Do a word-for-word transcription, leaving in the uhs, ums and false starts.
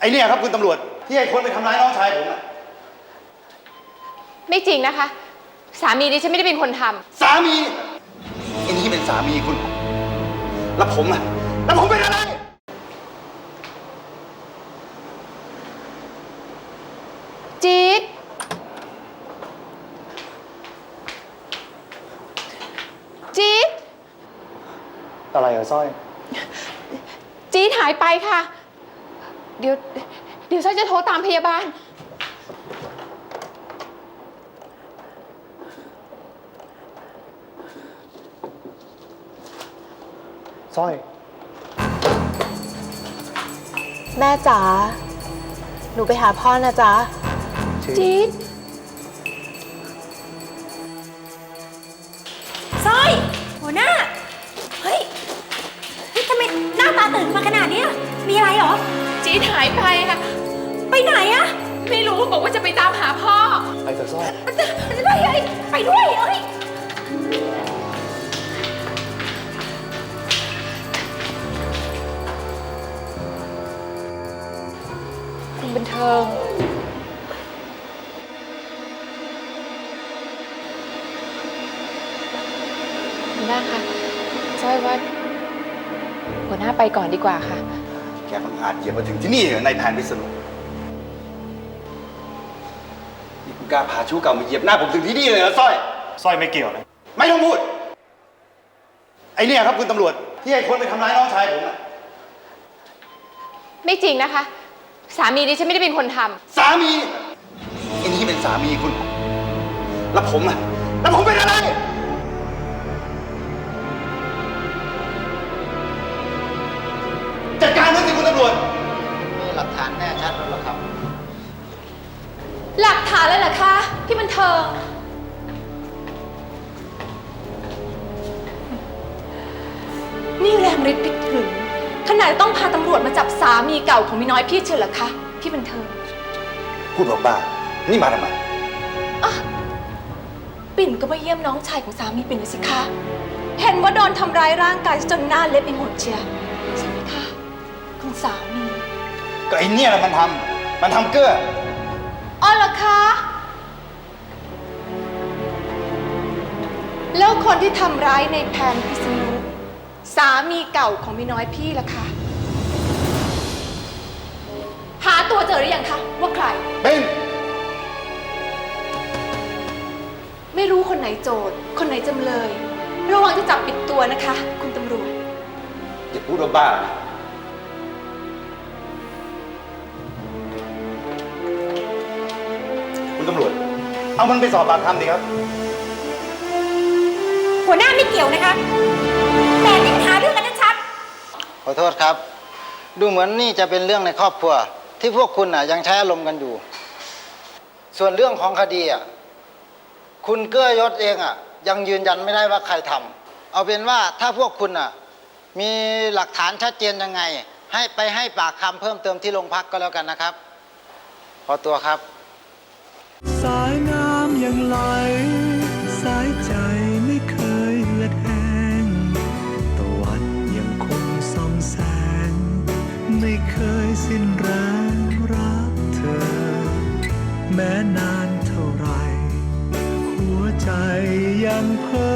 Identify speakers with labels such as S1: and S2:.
S1: ไอเนี่ยครับคุณตำรวจที่ไอ้คนไปทำร้ายน้องชายผมอะ
S2: ไม่จริงนะคะสามีดิฉันไม่ได้เป็นคนทำ
S1: สามีไอ้นี่เป็นสามีคุณแล้วผมอะแล้วผมเป็นอะไร
S2: จี๊ดจี๊ด
S1: อะไรเหรอสร้อย
S2: จี๊ดหายไปค่ะเดี๋ยวเดี๋ยวสร้อยจะโทรตามพยาบาล
S1: สร้อย
S3: แม่จ๋าหนูไปหาพ่อนะจ๊ะ
S2: จี๊ด
S4: สร้อยหัวหน้าเฮ้ยนี่ทำไมหน้าตาตื่นมาขนาดนี้มีอะไรเหรอ
S2: จี๊ดหายไปค่ะ
S4: ไปไหนอะ
S2: ไม่รู้บอกว่าจะไปตามหาพ่อ
S1: ไปเถอะสร้อย
S4: ไปไปด้วยเอ้ย
S2: คุณบันเทิงคุณน้าคะสร้อยว่าหัวหน้าไปก่อนดีกว่าค่ะ
S1: แกมันอาจเหยียบมาถึงที่นี่ในแผนพิษณุนี่คุณกล้าพาชู้เก่ามาเหยียบหน้าผมถึงที่นี่เลยเหรอสร้อย
S5: สร้อยไม่เกี่ยวเลย
S1: ไม่ต้องพูดไอเนี่ยครับคุณตำรวจที่ไอ้คนไปทำร้ายน้องชายผมอะ
S2: ไม่จริงนะคะสามีดิฉันไม่ได้เป็นคนท
S1: ำสามีไอ้นี่เป็นสามีคุณแล้วผมอะแล้วผมเป็นอะไรจัดการมันสิคุณตำรวจ
S6: มีหลักฐานแน่ชัดแล้วหรอครับ
S2: หลักฐานเลยเหรอคะพี่บันเทิงนี่แรงฤทธิ์ไปถึงขนาดต้องพาตำรวจมาจับสามีเก่าของมีน้อยพี่เชิญเหรอคะพี่บันเทิง
S1: พูดบ้านี่มาทำไม
S2: อ่ะปิ่นก็มาเยี่ยมน้องชายของสามีปิ่นเลยสิคะเห็นว่าโดนทำร้ายร่างกายจนหน้าเละไปหมดเชียวใช่ไหมคะคุณสามี
S1: ก็ไอ้เนี่ยแหละมันทำมันทำเกื้อ
S2: อ๋อเหรอคะแล้วคนที่ทำร้ายในแผนพิษณุสามีเก่าของมีน้อยพี่ล่ะคะหาตัวเจอหรือยังคะว่าใคร
S1: เป็น
S2: ไม่รู้คนไหนโจทย์คนไหนจำเลยระวังจะจับปิดตัวนะคะคุณตำรวจ
S1: อย่าพูดบ้าคุณตำรวจเอามันไปสอบปากคำดิครับ
S4: หัวหน้าไม่เกี่ยวนะคะแต่นี่หาเรื่องกันชัด
S6: ขอโทษครับดูเหมือนนี่จะเป็นเรื่องในครอบครัวที่พวกคุณน่ะยังใช้อารมณ์กันอยู่ส่วนเรื่องของคดีอ่ะคุณเกื้อยศเองอ่ะยังยืนยันไม่ได้ว่าใครทำเอาเป็นว่าถ้าพวกคุณอ่ะมีหลักฐานชัดเจนยังไงให้ไปให้ปากคำเพิ่มเติมที่โรงพักก็แล้วกันนะครับขอตัวครับ
S7: สายน้ำยังไหลสายใจไม่เคยเหือดแห้งตะวันยังคงส่องแสงไม่เคยสิ้นแรงรักเธอแม้นานเท่าไรหัวใจยังเพ้อ